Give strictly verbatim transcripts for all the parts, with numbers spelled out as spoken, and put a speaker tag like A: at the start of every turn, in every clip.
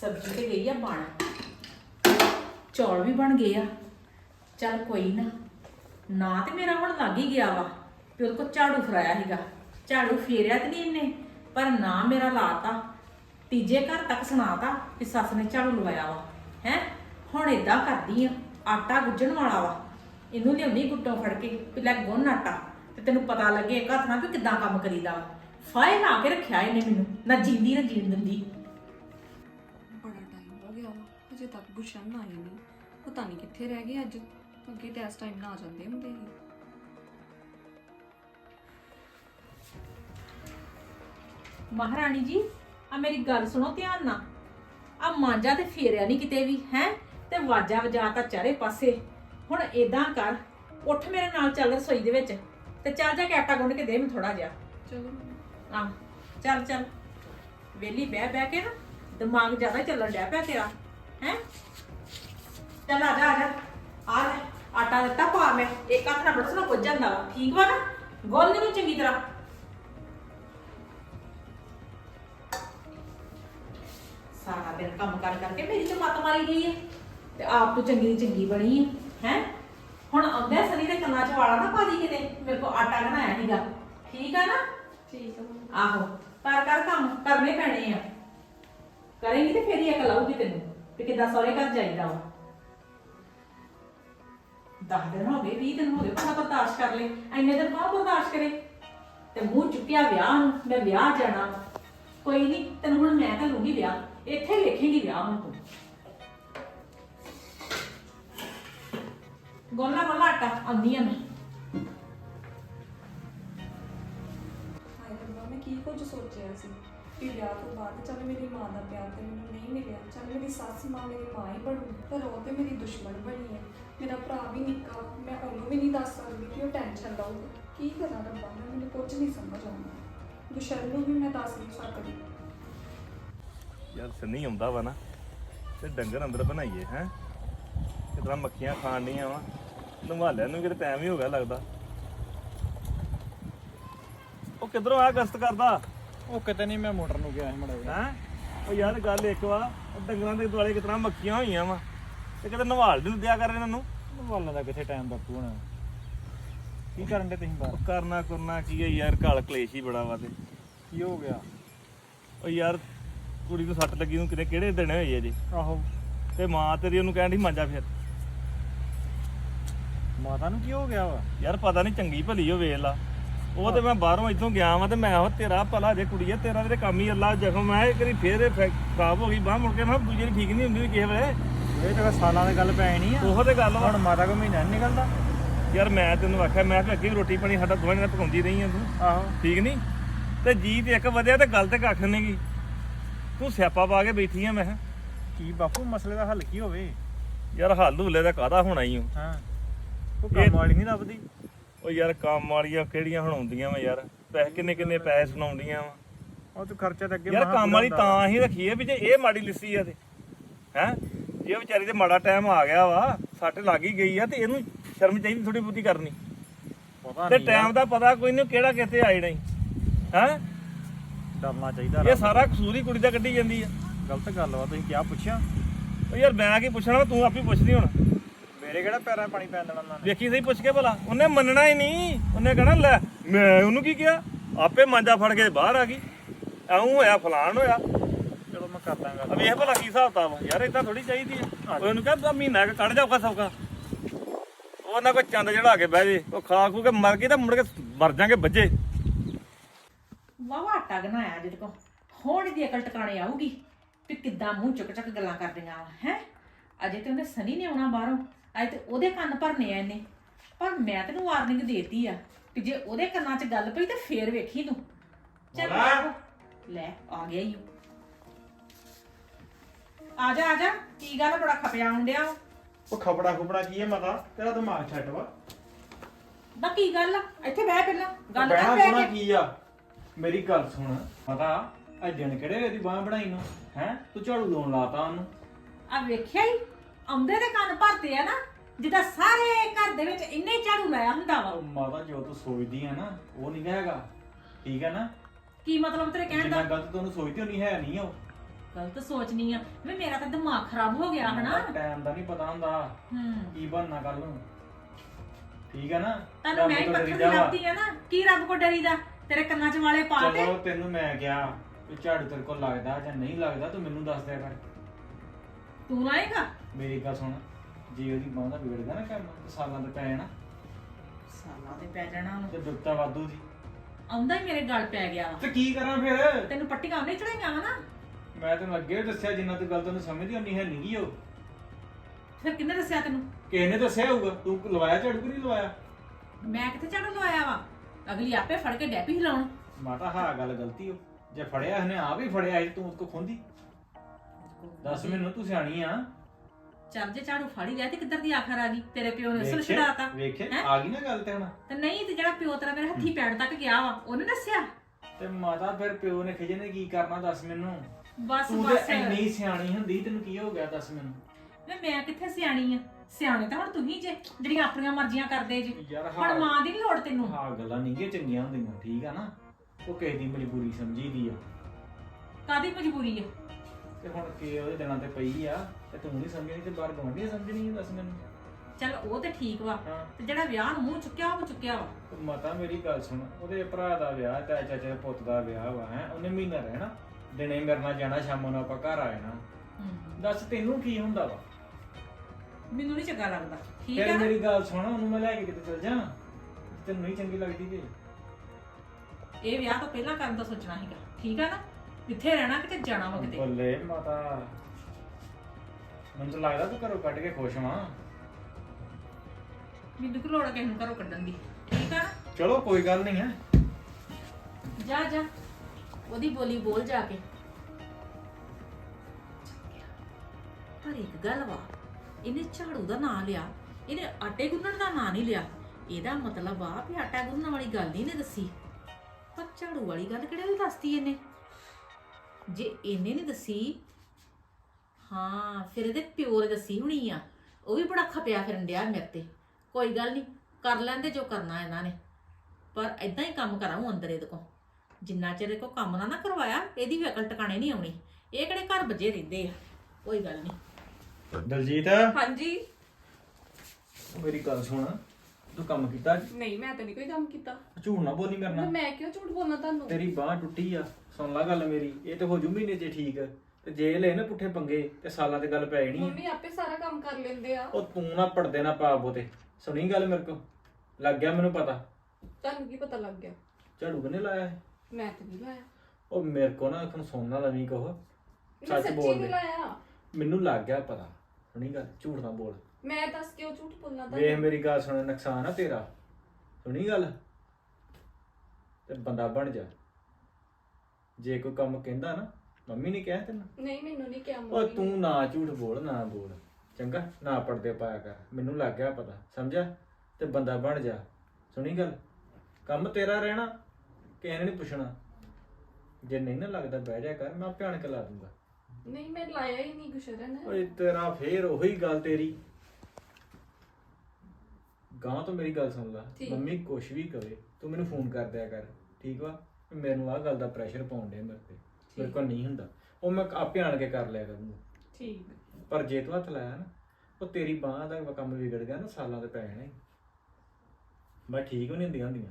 A: सब्जी ते गई आ बन, चौल भी बन गए आ। चल कोई ना ना ते मेरा हुण लग ही गया वा कि ओहदे को झाड़ू फराया सीगा, झाड़ू फेरिया ते नहीं इन्ने पर ना मेरा लाता, तीजे घर तक सुनाता कि सस ने झाड़ू लवाया वा है। हुण इदां करदी आ, आटा गुज्जण वाला वा, इनू लियाउणी गुट्टों फड़ के कि लै गुन्न आटा ते तैनूं पता लगे एक हत्थ नाल कि किदां काम करीदा वा। फाहे ला के रखिया इन्ने मैनूं, ना जींदी ना जीण दिंदी।
B: बड़ा टाइम हो गया वा, अजे तक गुशन आए नहीं, पता नहीं कित्थे रह गए अज। अगे तो इस टाइम ना आ जाते हुंदे ही।
A: महारानी जी आ मेरी गल सुनो ध्यान ना, आ मांजा ते फेरिया नहीं किते भी है ते वाजा वजाता चारे पासे। हुण इदां कर, उठ मेरे नाल चल रसोई दे विच ते चल जा के आटा गुंद के दे मैं थोड़ा जिहा।
B: चलो
A: आ चल चल, वेली बह बह के ना दिमाग ज्यादा चलन डै पिया तेरा है। चल आ जा आ जा आ ले आटा दिता पा, मैं एक हत्थ नाल बड़सना पुੱਜ ਜਾਂਦਾ ਵਾ, ठीक वा ना, गोल नहीं चंगी तरह। सारा दिन काम कर करके मेरी तो मत मारी गई है ते आप तो चंगी दी चंगी बनी है हैं। हुण आंदे सनी दे कन्ना च वाला ना पा दी किते, मेरे को आटा बनाया सीगा, ठीक है ना।
B: ठीक है
A: आहो कर कर काम करने पैने आ, करेंगी ते फिर ही अकल आऊगी तैनूं कि किदां सहुरे घर जाईदा वा। दस दिन हो गए, बीस दिन हो गए, बड़ा बर्दाश्त कर ले, इन्ने दिन कौन बर्दाश्त करे। ते मूंह चुक्किया विआह नूं, मैं विआह जाना, कोई नहीं तैनूं हुण मैं घल्लूंगी विआह, इत्थे लिखेंगी विआह हुण तूं। गोला गोला आटा आंदी आ मैं।
B: हाय रब्बा, मैं की कुछ सोचिया सी कि विआह तो बाद चल मेरी मां का प्यार तो मैनूं नहीं मिलिया, चल मेरी सस मां मेरी मां ही बनू, पर वो तो मेरी दुश्मन बनी है। मेरा भरा भी निक्का, मैं उन्होंने भी नहीं दस सकती कि वो टेंशन लाऊगा। की करा रब्बा, मैं मैंने कुछ नहीं समझ आਉਂਦਾ। गुशन ਨੂੰ भी मैं दस नहीं सकती।
C: यार सन्नी आਉਂਦਾ ਵਾ ਨਾ ਤੇ ਡੰਗਰ ਅੰਦਰ ਬਣਾਈਏ ਹੈ, ਕਿਤਨਾ ਮੱਖੀਆਂ ਖਾਣ ਡੀਆਂ ਵਾ, ਨਵਾਲਿਆਂ ਨੂੰ ਕਿਤੇ ਟਾਈਮ ਹੀ ਹੋ ਗਿਆ ਲੱਗਦਾ। ਉਹ ਕਿਧਰੋਂ ਆ ਗਸਤ ਕਰਦਾ?
D: ਉਹ ਕਿਤੇ ਨਹੀਂ, ਮੈਂ ਮੋਟਰ ਨੂੰ ਗਿਆ ਸੀ ਮੜਾ ਜਿਹਾ।
C: ਹੈ ਉਹ ਯਾਰ ਗੱਲ ਇੱਕ ਵਾ, ਉਹ ਡੰਗਰਾਂ ਦੇ ਦੁਆਲੇ ਕਿਤਨਾ ਮੱਖੀਆਂ ਹੋਈਆਂ ਵਾ ਤੇ ਕਿਤੇ ਨਵਾਲ ਨਹੀਂ ਦਿਆ ਕਰ ਇਹਨਾਂ ਨੂੰ।
D: ਨਵਾਲਣ ਦਾ ਕਿੱਥੇ ਟਾਈਮ ਬਾਪੂ ਹੁਣ, ਕੀ ਕਰਨ ਦੇ ਤੁਸੀਂ ਬਾਹਰ?
C: ਉਹ ਕਰਨਾ ਕਰਨਾ ਕੀ ਹੈ ਯਾਰ, ਘਾਲ ਕਲੇਸ਼ ਹੀ ਬੜਾ ਵਾ। ਤੇ
D: ਕੀ ਹੋ ਗਿਆ?
C: ਉਹ ਯਾਰ ਕੁੜੀ ਨੂੰ ਸੱਟ ਲੱਗੀ ਨੂੰ ਕਿਤੇ ਕਿਹੜੇ ਦਿਨ ਹੋਏ ਆ ਜੀ,
D: ਆਹੋ
C: ਤੇ ਮਾਂ ਤੇਰੀ ਉਹਨੂੰ ਕਹਿਣ ਡਈ ਮਾਂਜਾ ਫਿਰ।
D: ਮਾਤਾ ਨੂੰ ਕੀ ਹੋ ਗਿਆ ਵਾ?
C: ਯਾਰ ਪਤਾ ਨਹੀਂ ਚੰਗੀ ਭਲੀ ਹੋ ਵੇਖ ਲਾ। ਉਹ ਤੇ ਮੈਂ ਬਾਹਰੋਂ ਇੱਥੋਂ ਗਿਆ ਵਾਂ ਤੇ ਮੈਂ ਉਹ ਤੇਰਾ ਭਲਾ ਜੇ ਕੁੜੀ ਆ, ਤੇਰਾ ਤੇ ਕੰਮ ਹੀ ਅੱਲਾ ਜ਼ਖਮ ਹੈ ਕਰੀ ਫੇਰ ਇਹ ਫੈ- ਖਰਾਬ ਹੋ ਗਈ ਬਾਹ ਮੁੜ ਕੇ ਨਾ ਦੂਜੇ ਦੀ ਠੀਕ ਨਹੀਂ ਹੁੰਦੀ ਕਿਸੇ ਵੇਲੇ।
D: ਇਹ ਤਾਂ ਸਾਲਾਂ ਦੀ ਗੱਲ ਪੈ ਨਹੀਂ ਆ।
C: ਉਹੋ ਤੇ ਗੱਲ ਵਾ।
D: ਹੁਣ ਮਾਤਾ ਕੋ ਮਹੀਨਾ ਨੀ ਨਿਕਲਦਾ।
C: ਯਾਰ ਮੈਂ ਤੈਨੂੰ ਆਖਿਆ, ਮੈਂ ਕਿਹਾ ਅੱਗੇ ਵੀ ਰੋਟੀ ਪਾਣੀ ਸਾਡਾ ਦੋਵਾਂ ਨੇ ਪਕਾਉਂਦੀ ਰਹੀ ਆ ਤੂੰ,
D: ਆਹੋ
C: ਠੀਕ ਨਹੀਂ? ਤੇ ਜੀ ਤੇ ਇੱਕ ਵਧਿਆ ਤੇ ਗੱਲ ਤੇ ਕੱਖ ਨੀ ਗੀ, ਤੂੰ ਸਿਆਪਾ ਪਾ ਕੇ ਬੈਠੀ ਆ। ਮੈਂ ਕਿਹਾ
D: ਕੀ ਬਾਪੂ ਮਸਲੇ ਦਾ ਹੱਲ ਕੀ ਹੋਵੇ?
C: ਯਾਰ ਹੱਲ ਹੁੱਲੇ ਦਾ ਕਾਹਦਾ ਹੋਣਾ ਹੀ ਓ।
D: ਹਾਂ ਉਹ ਕੰਮ ਵਾਲੀ ਨਹੀਂ ਲੱਭਦੀ।
C: ਉਹ ਯਾਰ ਕੰਮ ਵਾਲੀਆਂ ਕਿਹੜੀਆਂ ਹੁਣ ਆਉਂਦੀਆਂ ਵਾ ਯਾਰ, ਪੈਸੇ ਕਿੰਨੇ ਕਿੰਨੇ ਪੈਸੇ ਸੁਣਾਉਂਦੀਆਂ ਵਾ।
D: ਉਹ ਤੇ ਖਰਚਾ ਤਾਂ ਅੱਗੇ
C: ਯਾਰ
D: ਮਸਾਂ
C: ਕੰਮ ਵਾਲੀ
D: ਪੂਰਾ
C: ਤਾਂ ਹੀ ਰੱਖੀ ਹੈ ਵੀ ਜੇ ਇਹ ਮਾੜੀ ਲਿੱਸੀ ਆ ਤੇ ਹੈ, ਜੇ ਵਿਚਾਰੀ ਤੇ ਮਾੜਾ ਟਾਈਮ ਆ ਗਿਆ ਵਾ, ਸੱਟ ਲੱਗ ਹੀ ਗਈ ਆ, ਤੇ ਇਹਨੂੰ ਸ਼ਰਮ ਚਾਹੀਦੀ ਥੋੜੀ ਬਹੁਤੀ ਕਰਨੀ।
D: ਪਤਾ
C: ਤੇ
D: ਨਹੀਂ
C: ਟਾਈਮ ਦਾ ਪਤਾ ਕੋਈ ਨਹੀਂ ਕਿਹੜਾ ਕਿੱਥੇ ਆਈ ਨਹੀਂ ਹੈ।
D: ਡਰਨਾ ਚਾਹੀਦਾ।
C: ਇਹ ਸਾਰਾ ਕਸੂਰ ਹੀ ਕੁੜੀ ਦਾ ਕੱਢੀ ਜਾਂਦੀ ਆ।
D: ਗਲਤ ਗੱਲ ਵਾ, ਤੁਸੀਂ ਕਿਆ ਪੁੱਛਿਆ?
C: ਉਹ ਯਾਰ ਮੈਂ ਕੀ ਪੁੱਛਣਾ, ਤੂੰ ਆਪੇ ਪੁੱਛਦੀ ਹੁਣ।
D: ਮੇਰੇ ਕਿਹੜਾ ਪੈਰਾਂ 'ਚ ਪਾਣੀ ਪੈਣ ਦੇਣਾ ਉਹਨਾਂ ਨੇ?
C: ਵੇਖੀ ਸਹੀ ਪੁੱਛ ਕੇ ਭਲਾ, ਉਹਨੇ ਮੰਨਣਾ ਹੀ ਨਹੀਂ। ਉਹਨੇ ਕਹਿਣਾ ਲੈ ਮੈਂ ਉਹਨੂੰ ਕੀ ਕਿਹਾ, ਆਪੇ ਮਾਂਜਾ ਫੜ ਕੇ ਬਾਹਰ ਆ ਗਈ, ਐਉਂ ਹੋਇਆ ਫਲਾਣ ਹੋਇਆ।
D: ਚਲੋ ਮੈਂ ਕਰ ਦਾਂਗਾ।
C: ਆ ਵੇਖ ਭਲਾ ਕੀ ਹਿਸਾਬ ਤਾ ਵਾ ਯਾਰ, ਏਦਾਂ ਥੋੜੀ ਚਾਹੀਦੀ ਆ। ਉਹਨੂੰ ਕਹਿੰਦਾ ਮਹੀਨਾ ਕੱਢ ਜਾਊਗਾ ਸੌਕਾ, ਉਹਨਾਂ ਕੋਈ ਚੰਦ ਚੜਾ ਕੇ ਬਹਿ ਜੇ, ਉਹ ਖਾ ਖੂ ਕੇ ਮਰ ਗਈ ਤਾਂ ਮੁੜ ਕੇ ਮਰ ਜਾਗੇ ਬੱਜੇ।
A: ਵਾਵਾ ਆਟਾ ਗਨਾਇਆ ਜਿਹਦੇ ਕੋ ਹੁਣ ਦੀ ਅਕਲ ਟਿਕਾਣੇ ਆਊਗੀ ਵੀ ਕਿੱਦਾਂ ਮੂੰਹ ਚੁੱਕ ਚੱਕ ਗੱਲਾਂ ਕਰਦੀਆਂ ਵਾ ਹੈ। ਅਜੇ ਤੇ ਉਹਨੇ ਸਨੀ ਨੇ ਆਉਣਾ ਬਾਹਰੋਂ, ਅਜੇ ਤੇ ਉਹਦੇ ਕੰਨ ਭਰਨੇ ਆ ਇਹਨੇ। ਪਰ ਮੈਂ ਤੈਨੂੰ ਵਾਰਨਿੰਗ ਦੇਤੀ ਆ ਕਿ ਜੇ ਉਹਦੇ ਕੰਨਾਂ 'ਚ ਗੱਲ ਪਈ ਤੇ ਫੇਰ ਵੇਖੀ ਤੂੰ। ਚੱਲ ਲੈ ਆ ਗਿਆ ਈ ਆ ਜਾ ਆ ਜਾ। ਕੀ ਗੱਲ ਬੜਾ ਖਪਿਆ ਹੁੰਦਿਆ?
D: ਉਹ ਖਪੜਾ ਖੁਪੜਾ ਕੀ ਹੈ ਮਾਤਾ? ਤੇਰਾ ਦਿਮਾਗ ਛੱਡ ਵਾ।
A: ਦਾ ਕੀ ਗੱਲ ਆ? ਇੱਥੇ ਬਹਿ ਪਹਿਲਾਂ ਗੱਲ
D: ਬਹਿਣਾ
A: ਕਰ
D: ਸੁਣਾ
A: ਬਹਿ ਕੇ।
D: ਕੀ ਆ? ਮੇਰੀ ਗੱਲ ਸੁਣ ਮਾਤਾ, ਆ ਦਿਨ ਕਿਹੜੇ ਵੇ ਦੀ ਬਾਂਹ ਬਣਾਈ ਨੂੰ ਹੈ? ਤੂੰ ਝਾੜੂ ਲਾਉਣ ਲਾਤਾ ਉਹਨੂੰ।
A: ਆ ਵੇਖਿਆ ਹੀ ਆਉਂਦੇ ਦੇ ਕੰਨ ਭਰਤੇ ਆ ਨਾ, ਜਿੱਦਾਂ ਸਾਰੇ ਘਰ ਦੇ ਵਿੱਚ ਇੰਨੇ ਝਾੜੂ ਲਾਇਆ ਹੁੰਦਾ ਵਾ।
D: ਉਹ ਮਾਤਾ ਜੋ ਤੂੰ ਸੋਚਦੀ ਆ ਨਾ ਉਹ ਨਹੀਂ ਹੈਗਾ, ਠੀਕ ਹੈ ਨਾ?
A: ਕੀ ਮਤਲਬ ਤੇਰੇ ਕਹਿਣ
D: ਜਿੰਨਾ
A: ਦਾ?
D: ਗਲਤ ਤੂੰ ਉਹਨੂੰ ਸੋਚਦੀ ਹੋਣੀ ਹੈ ਨਹੀਂ ਉਹ।
A: ਗਲਤ ਸੋਚਨੀ ਆ ਵੀ ਮੇਰਾ ਤਾਂ ਦਿਮਾਗ ਖਰਾਬ ਹੋ ਗਿਆ ਹਨਾ।
D: ਟਾਈਮ ਦਾ ਨਹੀਂ ਪਤਾ ਹੁੰਦਾ
A: ਹੂੰ
D: ਕੀ ਬਣਨਾ ਕੱਲ ਨੂੰ। ਠੀਕ ਹੈ ਨਾ?
A: ਤੁਹਾਨੂੰ ਮੈਂ ਹੀ
D: ਰੱਬ ਤੋਂ
A: ਪੱਥਰ
D: ਡਰੀਦਾ ਵਾ।
A: ਲੱਗਦੀ ਆ ਨਾ, ਕੀ ਰੱਬ ਕੋ ਡਰੀਦਾ? ਤੇਰੇ ਕੰਨਾਂ 'ਚ ਵਾਲੇ ਪਾ ਤੇ
D: ਚਲੋ ਤੈਨੂੰ ਮੈਂ ਕਿਹਾ ਵੀ ਝਾੜੂ ਤੇਰੇ ਕੋਲ ਲੱਗਦਾ ਜਾਂ ਨਹੀਂ ਲੱਗਦਾ ਤੂੰ ਮੈਨੂੰ ਦੱਸ ਦਿਆ ਕਰ।
A: ਤੂੰ ਲਾਏਗਾ।
D: ਮੇਰੀ ਗੱਲ ਸੁਣ, ਜੇ ਉਹਦੀ ਬਾਂਹ ਦਾ ਵਿਗੜ ਗਿਆ ਨਾ ਕੰਮ ਤੇ ਸਾਲਾਂ ਤੇ ਪੈ ਜਾਣਾ
A: ਸਾਲਾਂ ਤੇ ਪੈ ਜਾਣਾ ਉਹਨੂੰ।
D: ਤੇ ਦੁੱਖਤਾ ਵਾਧੂ ਦੀ।
A: ਆਉਂਦਾ ਹੀ ਮੇਰੇ ਗਲ ਪੈ ਗਿਆ ਵਾ।
D: ਤੇ ਕੀ ਕਰਾਂ ਫਿਰ?
A: ਤੈਨੂੰ ਪੱਟੀਆਂ ਉਹਨੇ ਚੜਾਈਆਂ ਵਾ ਨਾ।
D: ਮੈਂ ਤੈਨੂੰ ਅੱਗੇ ਵੀ ਦੱਸਿਆ ਜਿੰਨਾ ਤੂੰ ਗੱਲ ਤੈਨੂੰ ਸਮਝਦੀ ਹੁੰਨੀ ਹੈ ਨਹੀਂਗੀ ਉਹ।
A: ਫਿਰ ਕਿੰਨੇ ਦੱਸਿਆ ਤੈਨੂੰ?
D: ਕਿਸੇ ਨੇ ਦੱਸਿਆ ਹੋਊਗਾ। ਤੂੰ ਲਵਾਇਆ ਝਾੜੂ ਕਿ ਨਹੀਂ ਲਵਾਇਆ?
A: ਮੈਂ ਕਿੱਥੇ ਝਾੜੂ ਲਵਾਇਆ ਵਾ? ਅਗਲੀ ਆਪੇ ਫੜ ਕੇ ਡੈਪੀ ਹਿਲਾਉਣ।
D: ਮਾਤਾ ਹਾਂ ਗੱਲ ਗਲਤੀ ਹੋ। ਜੇ ਫੜਿਆ ਇਹਨੇ ਆਪ ਹੀ ਫੜਿਆ ਸੀ ਤੂੰ ਉਸਕੋ ਖੁੰਦੀ। ਦੱਸ ਮੈਨੂੰ, ਤੂੰ ਸਿਆਣੀ ਆ।
A: ਚੱਲ ਜੇ ਝਾੜੂ ਫੜ ਹੀ ਲਿਆ ਤੇ ਕਿੱਧਰ ਦੀ ਆਖਰ ਆ ਗਈ? ਤੇਰੇ ਪਿਓ ਨੇ ਅਸਲ
D: ਵੇਖੇ
A: ਛਡਾਤਾ।
D: ਵੇਖੇ
A: ਹੈਂ?
D: ਆ ਗਈ ਨਾ ਗੱਲ ਤੇ ਹੁਣ।
A: ਤੇ ਨਹੀਂ ਤੇ ਜਿਹੜਾ ਪਿਓ ਤੇਰਾ ਮੇਰੇ ਹੱਥੀ ਪੈਣ ਤੱਕ ਗਿਆ ਵਾ ਉਹਨੇ ਦੱਸਿਆ?
D: ਤੇ ਮਾਤਾ ਫਿਰ ਪਿਓ ਨੇ ਖਿਜੇ ਨੇ ਕੀ ਕਰਨਾ ਦੱਸ ਮੈਨੂੰ।
A: ਬਸ
D: ਤੂੰ
A: ਬਸ
D: ਤੇ ਇੰਨੀ ਸਿਆਣੀ ਹੁੰਦੀ ਤੈਨੂੰ ਕੀ ਹੋ ਗਿਆ ਦੱਸ ਮੈਨੂੰ।
A: ਵੇ ਮੈਂ ਕਿੱਥੇ ਸਿਆਣੀ ਆ? ਸਿਆਣੇ ਤਾਂ ਹੁਣ ਤੁਸੀਂ ਜੇ ਜਿਹੜੀਆਂ ਆਪਣੀਆਂ ਮਰਜ਼ੀਆਂ ਕਰਦੇ ਜੀ।
D: ਯਾਰ
A: ਹੁਣ
D: ਹਾਂ
A: ਮਾਂ ਦੀ ਨੀ ਲੋੜ ਤੈਨੂੰ।
D: ਹਾਂ ਗੱਲਾਂ ਨਹੀਂ ਕਿ ਚੰਗੀਆਂ ਹੁੰਦੀਆਂ ਠੀਕ ਆ ਨਾ। ਉਹ ਕਿਸੇ ਦੀ ਮਜਬੂਰੀ ਸਮਝੀਦੀ ਆ।
A: ਕਾਦੀ ਮਜਬੂਰੀ ਆ?
D: ਤੇ ਹੁਣ ਕੀ ਉਹਦੇ ਦਿਨਾਂ ਤੇ ਪਈ ਆ ਤੇ ਤੂੰ ਨਹੀਂ ਸਮਝਣੀ ਤੇ ਬਾਹਰ ਗਵਾਂਢੀ ਸਮਝਣੀ ਦੱਸ ਮੈਨੂੰ।
A: ਚੱਲ ਉਹ ਤੇ ਠੀਕ ਵਾ,
D: ਹਾਂ
A: ਤੇ ਜਿਹੜਾ ਵਿਆਹ ਨੂੰ ਮੂੰਹ ਚੁੱਕਿਆ ਉਹ ਚੁੱਕਿਆ ਵਾ।
D: ਤੇ ਮਾਤਾ ਮੇਰੀ ਗੱਲ ਸੁਣ, ਉਹਦੇ ਭਰਾ ਦਾ ਵਿਆਹ ਤੇ ਚਾਚੇ ਦੇ ਪੁੱਤ ਦਾ ਵਿਆਹ ਵਾ ਹੈ। ਉਹਨੇ ਮਹੀਨਾ ਰਹਿਣਾ, ਦਿਨੇ ਮੇਰੇ ਨਾਲ ਜਾਣਾ, ਸ਼ਾਮ ਨੂੰ ਆਪਾਂ ਘਰ ਆ ਜਾਣਾ। ਦੱਸ ਤੈਨੂੰ ਕੀ ਹੁੰਦਾ ਵਾ?
A: ਮੈਨੂੰ ਨਹੀਂ ਚੰਗਾ ਲੱਗਦਾ। ਠੀਕ
D: ਫਿਰ
A: ਆ ਨਾ?
D: ਮੇਰੀ ਗੱਲ ਸੁਣ, ਉਹਨੂੰ ਮੈਂ ਲੈ ਕੇ ਕਿਤੇ ਚਲ ਜਾ। ਤੈਨੂੰ ਨਹੀਂ ਚੰਗੀ ਲੱਗਦੀ ਤੇ
A: ਇਹ ਵਿਆਹ ਤੋਂ ਪਹਿਲਾਂ ਕਰਨ ਦਾ ਸੋਚਣਾ ਸੀਗਾ। ਠੀਕ ਆ ਨਾ? ਕਿੱਥੇ ਰਹਿਣਾ ਕਿਤੇ ਜਾਣਾ ਵਾ ਕਿਤੇ।
D: ਬੱਲੇ ਮਾਤਾ, ਮੈਨੂੰ ਤਾਂ ਲੱਗਦਾ ਤੂੰ ਘਰੋਂ ਕੱਢ ਕੇ ਖੁਸ਼ ਵਾਂ।
A: ਮੈਨੂੰ ਕੀ ਲੋੜ ਆ ਕਿਸੇ ਨੂੰ ਘਰੋਂ ਕੱਢਣ ਦੀ? ਠੀਕ ਆ ਨਾ?
D: ਚਲੋ ਕੋਈ ਗੱਲ ਨਹੀਂ ਹੈ।
A: ਜਾ ਜਾ ਉਹਦੀ ਬੋਲੀ ਬੋਲ ਜਾ ਕੇ। ਪਰ ਇੱਕ ਗੱਲ ਵਾ, ਇਹਨੇ ਝਾੜੂ ਦਾ ਨਾਂ ਲਿਆ, ਇਹਨੇ ਆਟੇ ਗੁੰਨਣ ਦਾ ਨਾਂ ਨਹੀਂ ਲਿਆ। ਇਹਦਾ ਮਤਲਬ ਆ ਵੀ ਆਟਾ ਗੁੰਨਣ ਵਾਲੀ ਗੱਲ ਨਹੀਂ ਇਹਨੇ ਦੱਸੀ, ਪਰ ਝਾੜੂ ਵਾਲੀ ਗੱਲ ਕਿਹੜੇ ਵੇਲੇ ਦੱਸਤੀ ਇਹਨੇ? ਜੇ ਇਹਨੇ ਨਹੀਂ ਦੱਸੀ, ਹਾਂ ਫਿਰ ਇਹਦੇ ਪਿਓ ਨੇ ਦੱਸੀ ਹੋਣੀ ਆ। ਉਹ ਵੀ ਬੜਾ ਖਪਿਆ ਫਿਰਨ ਡਿਆ ਮੇਰੇ ਤੇ। ਕੋਈ ਗੱਲ ਨਹੀਂ, ਕਰ ਲੈਂਦੇ ਜੋ ਕਰਨਾ ਇਹਨਾਂ ਨੇ, ਪਰ ਏਦਾਂ ਹੀ ਕੰਮ ਕਰਾਉ ਅੰਦਰ ਇਹਦੇ ਕੋਲ। ਜਿੰਨਾ ਚਿਰ ਇਹ ਕੋ ਕੰਮ ਨਾ ਨਾ ਕਰਵਾਇਆ ਇਹਦੀ ਵੀ ਅਕਲ ਟਿਕਾਣੇ ਨਹੀਂ ਆਉਣੀ। ਇਹ ਕਿਹੜੇ ਘਰ ਵੱਜੇ ਰਹਿੰਦੇ ਆ। ਕੋਈ ਗੱਲ ਨਹੀਂ।
D: ਦਲਜੀਤ
B: ਹਾਂਜੀ।
D: ਮੇਰੀ ਗੱਲ ਸੁਣ, ਤੂੰ ਕੰਮ ਕੀਤਾ?
B: ਨਹੀਂ ਮੈਂ ਤਾਂ ਨਹੀਂ ਕੋਈ ਕੰਮ ਕੀਤਾ।
D: ਝੂਠ ਨਾ ਬੋਲੀ ਮੇਰੇ ਨਾਲ।
B: ਮੈਂ ਕਿਉਂ ਝੂਠ ਬੋਲਣਾ ਤੁਹਾਨੂੰ?
D: ਤੇਰੀ ਬਾਹ ਟੁੱਟੀ ਆ, ਸੁਣ ਲੈ ਗੱਲ ਮੇਰੀ। ਇਹ ਤੇ ਹੋ ਜੂ ਮਹੀਨੇ ਚ ਠੀਕ, ਤੇ ਜੇ ਲੈ ਨਾ ਪੁੱਠੇ ਪੰਗੇ ਤੇ ਸਾਲਾਂ ਤੇ ਗੱਲ ਪੈ ਜਾਣੀ ਆ।
B: ਮੰਮੀ ਆਪੇ ਸਾਰਾ ਕੰਮ ਕਰ ਲੈਂਦੇ ਆ।
D: ਉਹ ਤੂੰ ਨਾ ਪੜਦੇ ਨਾ ਪਾ ਬੋਤੇ। ਸੁਣੀ ਗੱਲ ਮੇਰੇ ਕੋ, ਲੱਗ ਗਿਆ ਮੈਨੂੰ ਪਤਾ।
B: ਤੁਹਾਨੂੰ ਕੀ ਪਤਾ ਲੱਗ ਗਿਆ?
D: ਝਾੜੂ ਕਿਨੇ ਲਾਇਆ ਹੈ?
B: ਮੈਂ ਤਾਂ ਨਹੀਂ ਲਾਇਆ।
D: ਉਹ ਮੇਰੇ ਕੋ ਨਾ ਅਖਣ ਸੋਨਾ ਦਾ ਨਹੀਂ ਕਹੋ,
B: ਮੈਂ
D: ਸੱਚ
B: ਸੱਚੀ
D: ਬੋਲ
B: ਨਹੀਂ
D: ਦੇ।
B: ਲਾਇਆ।
D: ਮੈਨੂੰ ਲੱਗ ਗਿਆ ਪਤਾ। ਸੁਣੀ ਗੱਲ, ਝੂਠ ਨਾ ਬੋਲ।
B: ਮੈਂ ਦੱਸ ਕਿਉਂ ਝੂਠ ਬੋਲਣਾ
D: ਵੇਖ
B: ਤੁਹਾਨੂੰ?
D: ਮੇਰੀ ਗੱਲ ਸੁਣ, ਨੁਕਸਾਨ ਆ ਤੇਰਾ। ਸੁਣੀ ਗੱਲ, ਤੇ ਬੰਦਾ ਬਣ ਜਾ। ਜੇ ਕੋਈ ਕੰਮ ਕਹਿੰਦਾ ਨਾ, ਮੰਮੀ ਨੇ ਕਿਹਾ ਤੈਨੂੰ?
B: ਨਹੀਂ ਮੈਨੂੰ ਨਹੀਂ ਕਿਹਾ
D: ਉਹ
B: ਮੰਮੀ ਨੇ।
D: ਤੂੰ ਨਾ ਝੂਠ ਬੋਲ, ਨਾ ਬੋਲ ਚੰਗਾ। ਨਾ ਪੜਦੇ ਪਾਇਆ ਕਰ। ਮੈਨੂੰ ਲੱਗ ਗਿਆ ਪਤਾ, ਸਮਝਿਆ? ਤੇ ਬੰਦਾ ਬਣ ਜਾ। ਸੁਣੀ ਗੱਲ, ਕੰਮ ਤੇਰਾ ਰਹਿਣਾ, ਕਿਸੇ ਨੇ ਨਹੀਂ ਪੁੱਛਣਾ। ਜੇ ਨਹੀਂ ਨਾ ਲੱਗਦਾ ਬਹਿ ਜਾ ਕਰ, ਮੈਂ ਆਪੇ ਆਣ ਕੇ ਲਾ ਦੂੰਗਾ।
B: ਨਹੀਂ ਮੈਂ ਲਾਇਆ ਹੀ ਨਹੀਂ ਗੁਸ਼ਰਨ।
D: ਓਏ ਤੇਰਾ ਫੇਰ ਉਹੀ ਗੱਲ ਤੇਰੀ। ਗਾਂ ਤੋਂ ਮੇਰੀ ਗੱਲ ਸੁਣ ਲੈ,
B: ਠੀਕ।
D: ਮੰਮੀ ਕੁਛ ਵੀ ਕਵੇ ਤੂੰ ਮੈਨੂੰ ਫੋਨ ਕਰ ਦਿਆ ਕਰ, ਠੀਕ ਵਾ? ਮੈਨੂੰ ਆਹ ਗੱਲ ਦਾ ਪ੍ਰੈਸ਼ਰ ਪਾਉਣ ਦੇ ਮੇਰੇ ਤੇ, ਮੇਰੇ ਕੋਲ ਨਹੀਂ ਹੁੰਦਾ। ਉਹ ਮੈਂ ਆਪੇ ਆਣ ਕੇ ਕਰ ਲਿਆ ਕਰੂੰਗਾ।
B: ਠੀਕ।
D: ਪਰ ਜੇ ਤੂੰ ਹੱਥ ਲਾਇਆ ਨਾ, ਉਹ ਤੇਰੀ ਬਾਂਹ ਦਾ ਕੰਮ ਵਿਗੜ ਗਿਆ ਨਾ, ਸਾਲਾਂ ਦੇ ਪੈ ਜਾਣੇ। ਮੈਂ ਠੀਕ ਵੀ ਨਹੀਂ ਹੁੰਦੀਆਂ ਹੁੰਦੀਆਂ।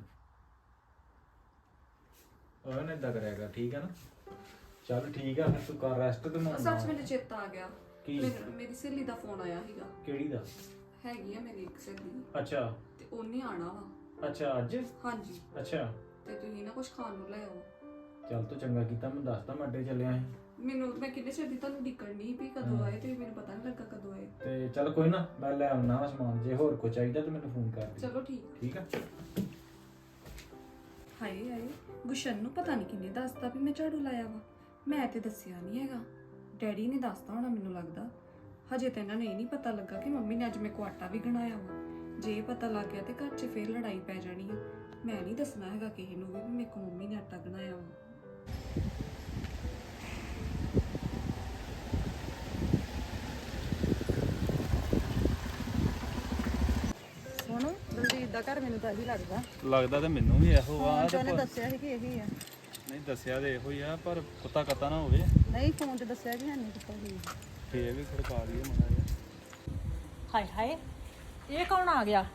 D: ਉਹਨੇ ਏਦਾਂ ਕਰਿਆ ਕਰ, ਠੀਕ ਹੈ ਨਾ? ਚੱਲ ਠੀਕ ਆ, ਫਿਰ ਤੂੰ ਕਰ ਰੈਸਟ ਤੇ ਮੈਂ
B: ਸੱਚ ਮੈਨੂੰ ਚੇਤਾ ਆ ਗਿਆ।
D: ਕੀ?
B: ਮੈਨੂੰ- ਮੇਰੀ ਸਹੇਲੀ ਦਾ ਫੋਨ ਆਇਆ ਸੀਗਾ।
D: ਕਿਹੜੀ ਦਾ?
B: ਹੈਗੀ ਆ ਮੇਰੀ ਇੱਕ ਸਹੇਲੀ,
D: ਅੱਛਾ
B: ਤੇ ਉਹਨੇ ਆਣਾ ਵਾ।
D: ਅੱਛਾ ਅੱਜ?
B: ਹਾਂਜੀ।
D: ਅੱਛਾ
B: ਤੇ ਤੁਸੀਂ ਨਾ ਕੁਝ ਖਾਣ ਨੂੰ ਲੈ ਆਓ।
D: ਚੱਲ ਤੂੰ ਚੰਗਾ ਕੀਤਾ, ਮੈਂ ਦੱਸਦਾ ਮੈਂ ਅੱਡੇ ਚੱਲਿਆ ਸੀ।
B: ਮੈਨੂੰ ਮੈਂ ਕਿੰਨੇ ਚਿਰ ਦੀ ਤੁਹਾਨੂੰ ਡਿੱਕਣ ਨਹੀਂ ਵੀ ਕਦੋਂ ਆਏ, ਤੇ ਮੈਨੂੰ ਪਤਾ ਨਹੀਂ ਲੱਗਾ ਕਦੋਂ ਆਏ।
D: ਤੇ ਚੱਲ ਕੋਈ ਨਾ, ਮੈਂ ਲੈ ਆਉਣਾ ਵਾ ਸਮਾਨ। ਜੇ ਹੋਰ ਕੁਝ ਚਾਹੀਦਾ ਤਾਂ ਮੈਨੂੰ ਫੋਨ ਕਰ ਦੇ।
B: ਚਲੋ ਠੀਕ।
D: ਠੀਕ ਆ?
B: ਹਾਏ ਹਾਏ, ਗੁਸ਼ਨ ਨੂੰ ਪਤਾ ਨਹੀਂ ਕਿੰਨੇ ਦੱਸਤਾ ਵੀ ਮੈਂ ਝਾੜੂ ਲਾਇਆ ਵਾ। ਮੈਂ ਤੇ ਦੱਸਿਆ ਨਹੀਂ ਹੈਗਾ। ਡੈਡੀ ਨੇ ਦੱਸਤਾ ਹੋਣਾ ਮੈਨੂੰ ਲੱਗਦਾ। ਹਜੇ ਤਾਂ ਇਹਨਾਂ ਨੂੰ ਇਹ ਨਹੀਂ ਪਤਾ ਲੱਗਾ ਕਿ ਮੰਮੀ ਨੇ ਅੱਜ ਮੇਰੇ ਕੋ ਆਟਾ ਵੀ ਗਣਾਇਆ ਵਾ। ਜੇ ਇਹ ਪਤਾ ਲੱਗ ਗਿਆ ਤੇ ਘਰ 'ਚ ਫੇਰ ਲੜਾਈ ਪੈ ਜਾਣੀ ਆ। ਮੈਂ ਨਹੀਂ ਦੱਸਣਾ ਹੈਗਾ ਕਿਸੇ ਨੂੰ ਵੀ ਵੀ ਮੇਰੇ ਕੋ ਮੰਮੀ ਨੇ ਆਟਾ ਗਣਾਇਆ ਵਾ।
E: ਹੁਣ ਦਲਜੀਤ ਦਾ ਘਰ ਮੈਨੂੰ ਤਾਂ ਇਹੀ ਲੱਗਦਾ।
C: ਲੱਗਦਾ ਤੇ ਮੈਨੂੰ ਵੀ ਇਹੋ
E: ਹਾਂ ਉਹਨੇ ਦੱਸਿਆ ਸੀ ਕਿ ਇਹੀ ਆ।
C: ਨਹੀਂ ਦੱਸਿਆ ਤੇ ਇਹੋ ਹੀ ਆ ਪਰ ਕੁੱਤਾ ਕੱਤਾ ਨਾ ਹੋਵੇ
E: ਨਹੀਂ ਫੋਨ ਤੇ ਦੱਸਿਆ ਕਿ ਨਹੀਂ ਕੀਤਾ ਸੀ
C: ਫੇਰ ਵੀ ਖੜਕਾ ਲਈਏ ਮਨਾ ਜਿਹਾ
A: ਹਾਏ ਹਾਏ ਇਹ ਕੌਣ ਆ ਗਿਆ?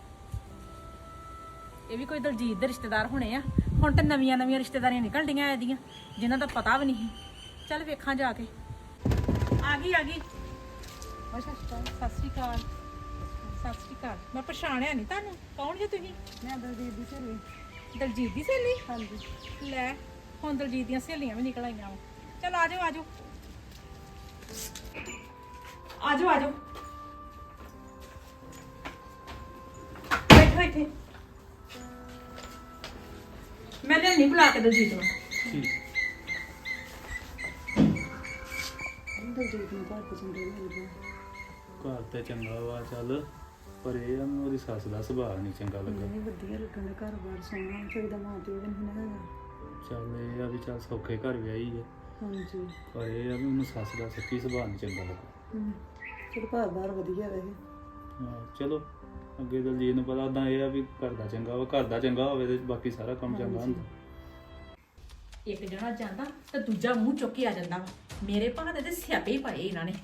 A: ਇਹ ਵੀ ਕੋਈ ਦਲਜੀਤ ਦੇ ਰਿਸ਼ਤੇਦਾਰ ਹੋਣੇ ਆ। ਹੁਣ ਤੇ ਨਵੀਆਂ ਨਵੀਆਂ ਰਿਸ਼ਤੇਦਾਰੀਆਂ ਨਿਕਲ ਡੀਆਂ ਇਹਦੀਆਂ ਜਿਨ੍ਹਾਂ ਦਾ ਪਤਾ ਵੀ ਨਹੀਂ। ਚੱਲ ਵੇਖਾਂ ਜਾ ਕੇ। ਆ ਗਈ ਆ ਗਈ।
E: ਅੱਛਾ ਅੱਛਾ
A: ਸਤਿ ਸ਼੍ਰੀ ਅਕਾਲ। ਸਤਿ ਸ਼੍ਰੀ ਅਕਾਲ। ਮੈਂ ਪਛਾਣਿਆ ਨਹੀਂ ਤੁਹਾਨੂੰ। ਕੌਣ ਜੇ ਤੁਸੀਂ?
E: ਮੈਂ ਦਲਜੀਤ ਦੀ ਸਹੇਲੀ।
A: ਦਲਜੀਤ ਦੀ ਸਹੇਲੀ?
E: ਹਾਂਜੀ
A: ਲੈ ਹੁਣ ਦਲਜੀਤ ਦੀਆਂ ਸਹੇਲੀਆਂ ਵੀ ਨਿਕਲ ਆਈਆਂ ਵਾ। ਚਲ ਆ ਜਾਓ ਆ ਜਾਓ ਆ ਜਾਓ ਆ ਜਾਓ ਬੈਠੋ ਇੱਥੇ। ਮੈਂ ਲਿਆਉਣੀ ਬੁਲਾ ਕੇ ਦਲਜੀਤ ਨੂੰ।
C: ਠੀਕ
E: ਦਲਜੀਤ ਨੂੰ ਘਰ ਪਸੰਦ ਨਹੀਂ ਲੱਗਦਾ।
C: ਘਰ ਤੇ ਚੰਗਾ ਵਾ ਚੱਲ ਪਰ ਇਹ ਆ ਮੈਨੂੰ ਉਹਦੀ ਸੱਸ ਦਾ ਸੁਭਾਅ ਨਹੀਂ ਚੰਗਾ ਲੱਗਾ
E: ਨਹੀਂ ਵਧੀਆ ਲੱਗਣ ਘਰ ਬਾਰ ਸੋਹਣਾ ਚਾਹੀਦਾ ਮਾਂ ਪਿਓ ਵੀ ਨਹੀਂ ਨਾ ਹੈਗਾ।
C: ਚੱਲ ਇਹ ਆ ਵੀ ਚੱਲ ਸੌਖੇ ਘਰ ਵਿਆਹੀ ਹੈ
E: ਹਾਂਜੀ
C: ਪਰ ਇਹ ਆ ਵੀ ਮੈਨੂੰ ਸੱਸ ਦਾ ਸੱਚੀ ਸੁਭਾਅ ਨਹੀਂ ਚੰਗਾ ਲੱਗਾ
E: ਹੂੰ ਚਲ ਘਰ ਬਾਰ ਵਧੀਆ ਵੈਸੇ।
C: ਹਾਂ ਚਲੋ ਅੱਗੇ ਦਲਜੀਤ ਨੂੰ ਪਤਾ ਉਦਾਂ ਇਹ ਆ ਵੀ ਘਰ ਦਾ ਚੰਗਾ ਵਾ ਘਰ ਦਾ ਚੰਗਾ ਹੋਵੇ ਤੇ ਬਾਕੀ ਸਾਰਾ ਕੰਮ ਚੰਗਾ ਹੁੰਦਾ
A: ਇੱਕ ਜਣਾ ਜਾਂਦਾ ਤੇ ਦੂਜਾ ਮੂੰਹ ਚੁੱਕ ਕੇ ਆ ਜਾਂਦਾ ਵਾ। ਮੇਰੇ ਭਾਣੇ ਦੇ ਸਿਆਪੇ ਹੀ ਪਾਏ ਇਹਨਾਂ ਨੇ।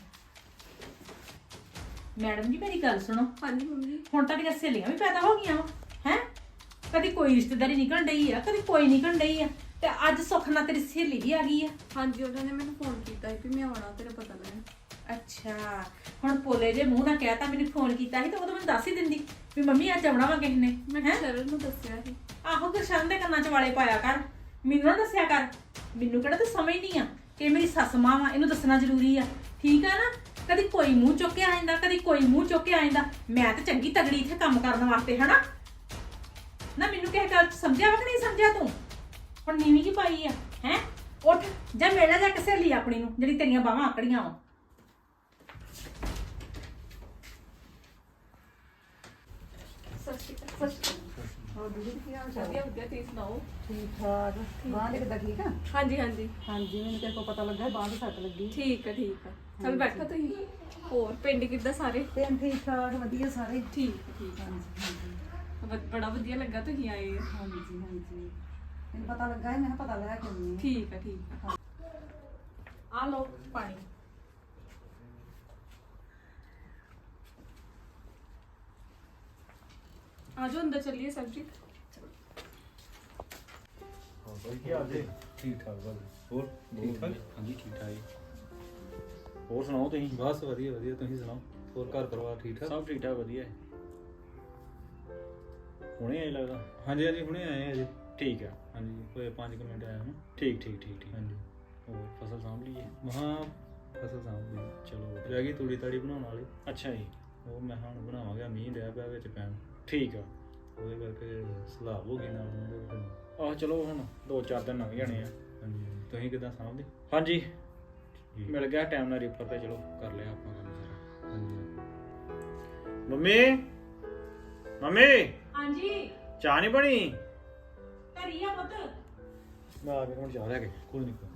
A: ਮੈਡਮ ਜੀ ਮੇਰੀ ਗੱਲ ਸੁਣੋ।
B: ਹਾਂਜੀ ਮੰਮੀ।
A: ਹੁਣ ਤੁਹਾਡੀਆਂ ਸਹੇਲੀਆਂ ਵੀ ਪੈਦਾ ਹੋ ਗਈਆਂ ਵਾ ਹੈ। ਕਦੀ ਕੋਈ ਰਿਸ਼ਤੇਦਾਰੀ ਨਿਕਲ ਡਈ ਆ ਕਦੀ ਕੋਈ ਨਿਕਲ ਡਈ ਆ ਤੇ ਅੱਜ ਸੁੱਖ ਨਾਲ ਤੇਰੀ ਸਹੇਲੀ ਵੀ ਆ ਗਈ ਆ।
B: ਹਾਂਜੀ ਉਹਨਾਂ ਨੇ ਮੈਨੂੰ ਫੋਨ ਕੀਤਾ ਸੀ ਵੀ ਮੈਂ ਆਉਣਾ ਤੇਰਾ ਪਤਾ ਲੈਣ।
A: ਅੱਛਾ ਹੁਣ ਪੋਲੇ ਜੇ ਮੂੰਹ ਨਾਲ ਕਹਿਤਾ ਮੈਨੂੰ ਫੋਨ ਕੀਤਾ ਸੀ ਤੇ ਉਦੋਂ ਮੈਨੂੰ ਦੱਸ ਹੀ ਦਿੰਦੀ ਵੀ ਮੰਮੀ ਅੱਜ ਆਉਣਾ ਵਾ ਕਿਸੇ ਨੇ।
B: ਮੈਂ
A: ਹੈਂ?
B: ਸ਼ਰਨ ਨੂੰ ਦੱਸਿਆ ਸੀ।
A: ਆਹੋ ਗੁਰਸ਼ਨ ਦੇ ਕੰਨਾਂ 'ਚ ਵਾਲੇ ਪਾਇਆ ਕਰ। ਮੈਨੂੰ ਨਾ ਦੱਸਿਆ ਕਰ। ਮੈਨੂੰ ਕਿਹੜਾ ਤੂੰ ਸਮਝਦੀ ਆ ਕਿ ਇਹ ਮੇਰੀ ਸੱਸ ਮਾਂ ਵਾ ਇਹਨੂੰ ਦੱਸਣਾ ਜ਼ਰੂਰੀ ਆ। ਠੀਕ ਆ ਨਾ। ਕਦੀ ਕੋਈ ਮੂੰਹ ਚੁੱਕ ਕੇ ਆ ਜਾਂਦਾ ਕਦੀ ਕੋਈ ਮੂੰਹ ਚੁੱਕ ਕੇ ਆ ਜਾਂਦਾ। ਮੈਂ ਤਾਂ ਚੰਗੀ ਤਗੜੀ ਇੱਥੇ ਕੰਮ ਕਰਨ ਵਾਸਤੇ ਹਨਾ ਨਾ। ਮੈਨੂੰ ਕਿਸੇ ਗੱਲ 'ਚ ਸਮਝਿਆ ਵਾ ਕਿ ਨਹੀਂ ਸਮਝਿਆ ਤੂੰ? ਹੁਣ ਨੀਵੀਂ ਕੀ ਪਾਈ ਆ ਹੈ। ਉੱਠ ਜਾ ਮੇਲਾ ਜਾ ਕੇ ਸਹੇਲੀ ਆਪਣੀ ਨੂੰ ਜਿਹੜੀ ਤੇਰੀਆਂ ਬਾਹਾਂ ਆਕੜੀਆਂ ਵਾ।
B: ਸਤਿ ਸ਼੍ਰੀ ਅਕਾਲ। ਸਤਿ ਸ਼੍ਰੀ ਅਕਾਲ।
E: ਹੋਰ ਦੀਦੀ ਕੀ ਹਾਲ ਚਾਲ?
B: ਵਧੀਆ ਵਧੀਆ ਤੁਸੀਂ ਸੁਣਾਓ।
E: ਠੀਕ ਠਾਕ। ਬਾਂਹ ਦੇ ਕਿੱਦਾਂ ਠੀਕ ਆ?
B: ਹਾਂਜੀ ਹਾਂਜੀ
E: ਹਾਂਜੀ ਮੈਨੂੰ ਤੇਰੇ ਕੋਲ ਪਤਾ ਲੱਗਾ ਬਾਂਹ ਦੀ ਸੱਟ ਲੱਗੀ।
B: ਠੀਕ ਆ ਠੀਕ ਆ। ਚਲ ਬੈਠੋ ਤੁਸੀਂ। ਹੋਰ ਪਿੰਡ ਕਿੱਦਾਂ ਸਾਰੇ?
E: ਤੇ ਠੀਕ ਠਾਕ ਵਧੀਆ ਸਾਰੇ।
B: ਠੀਕ ਆ, ਠੀਕ ਆ।
E: ਹਾਂਜੀ ਹਾਂਜੀ
B: ਵ- ਬੜਾ ਵਧੀਆ ਲੱਗਾ ਤੁਸੀਂ ਆਏ ਆ।
E: ਹਾਂਜੀ ਹਾਂਜੀ ਮੈਨੂੰ ਪਤਾ ਲੱਗਾ ਸੀ, ਮੈਂ ਕਿਹਾ ਪਤਾ ਲੈ ਕੇ ਆਉਂਦੀ ਹਾਂ।
B: ਠੀਕ ਆ ਠੀਕ ਆ।
A: ਆ ਲਓ ਪਾਣੀ।
B: ਆਜੋ ਅੰਦਰ ਚੱਲੀਏ ਸਰਬਜੀਤ।
C: ਹਾਂ ਬਾਈ ਕੀ ਹਾਲ ਜੀ ਠੀਕ ਠਾਕ ਬਾਈ ਹੋਰ ਠੀਕ ਠਾਕ ਹਾਂਜੀ ਠੀਕ ਠਾਕ ਜੀ ਹੋਰ ਸੁਣਾਓ ਤੁਸੀਂ ਬਸ ਵਧੀਆ ਵਧੀਆ ਤੁਸੀਂ ਸੁਣਾਓ ਹੋਰ ਘਰ ਪਰਿਵਾਰ ਠੀਕ ਠਾਕ ਸਭ ਠੀਕ ਠਾਕ ਵਧੀਆ ਹੈ ਹੁਣੇ ਆਏ ਲੱਗਦਾ ਹਾਂਜੀ ਹਾਂਜੀ ਹੁਣੇ ਆਏ ਅਜੇ ਠੀਕ ਆ ਹਾਂਜੀ ਕੋਈ ਪੰਜ ਕੁ ਮਿੰਟ ਆਇਆ ਹਾਂ ਠੀਕ ਠੀਕ ਠੀਕ ਠੀਕ ਹਾਂਜੀ ਹੋਰ ਫਸਲ ਸਾਂਭ ਲਈਏ ਮਹਾਂ ਫਸਲ ਸਾਂਭ ਲਈ ਚਲੋ ਰਹਿ ਗਈ ਤੂੜੀ ਤਾੜੀ ਬਣਾਉਣ ਵਾਲੀ ਅੱਛਾ ਜੀ ਉਹ ਮੈਂ ਹੁਣ ਬਣਾਵਾਂਗਾ ਮੀਂਹ ਡਿਆ ਪਿਆ ਵਿੱਚ ਪੈਣ ਠੀਕ ਆ ਉਹਦੇ ਕਰਕੇ ਸਲਾਬ ਹੋ ਗਈ ਨਾਲ ਉਹਦੇ ਫਿਰ ਆਹ ਚਲੋ ਹੁਣ ਦੋ ਚਾਰ ਦਿਨ ਲੰਘ ਜਾਣੇ ਆ ਹਾਂਜੀ ਤੁਸੀਂ ਕਿੱਦਾਂ ਸਾਂਭਦੇ ਹਾਂਜੀ ਮਿਲ ਗਿਆ ਟਾਈਮ ਨਾਲ ਰੀਪਰ ਤੇ ਚਲੋ ਕਰ ਲਿਆ ਆਪਾਂ ਕੰਮ ਸਾਰਾ ਹਾਂਜੀ ਮੰਮੀ ਮੰਮੀ
A: ਹਾਂਜੀ
C: ਚਾਹ ਨਹੀਂ ਬਣੀ
A: ਧਰੀ ਆ ਪੁੱਤ।
C: ਮੈਂ ਆ ਕੇ ਹੁਣ ਚਾਹ ਲੈ ਕੇ ਕੋਈ ਨਹੀਂ